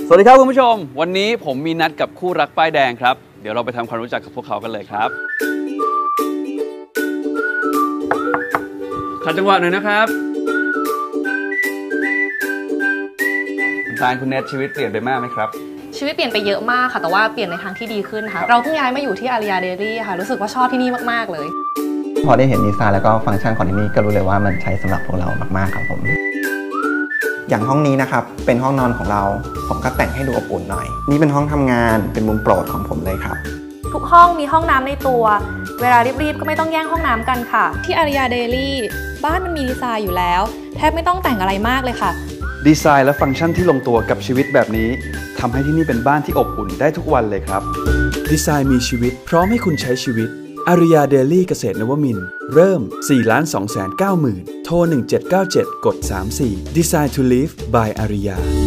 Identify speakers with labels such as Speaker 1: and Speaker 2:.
Speaker 1: สวัสดีครับคุณผู้ชมวันนี้ผมมีนัดกับคู่รักป้ายแดงครับเดี๋ยวเราไปทำความรู้จักกับพวกเขากันเลยครับขัดจังหวะหน่อยนะครับคุณตาลคุณเนทชีวิตเปลี่ยนไปมากไหมครับ
Speaker 2: ชีวิตเปลี่ยนไปเยอะมากค่ะแต่ว่าเปลี่ยนในทางที่ดีขึ้นค่ะเราเพิ่งย้ายมาอยู่ที่อาริยาเดลี่ค่ะรู้สึกว่าชอบที่นี่มากๆเลย
Speaker 3: พอได้เห็นดีไซน์แล้วก็ฟังก์ชันของที่นี่ก็รู้เลยว่ามันใช้สำหรับพวกเรามากๆครับผมอย่างห้องนี้นะครับเป็นห้องนอนของเราผมก็แต่งให้ดูอบอุ่นหน่อยนี่เป็นห้องทำงานเป็นมุมโปรดของผมเลยครับ
Speaker 2: ทุกห้องมีห้องน้ำในตัวเวลารีบๆก็ไม่ต้องแย่งห้องน้ำกันค่ะที่อาริยาเดลี่บ้านมันมีดีไซน์อยู่แล้วแทบไม่ต้องแต่งอะไรมากเลยค่ะ
Speaker 1: ดีไซน์และฟังก์ชันที่ลงตัวกับชีวิตแบบนี้ทำให้ที่นี่เป็นบ้านที่อบอุ่นได้ทุกวันเลยครับดีไซน์มีชีวิตพร้อมให้คุณใช้ชีวิตอาริยาเดลี่เกษตรนวมินทร์เริ่ม 4,290,000 โทร 1797 กด 34 Design to Live by อาริยา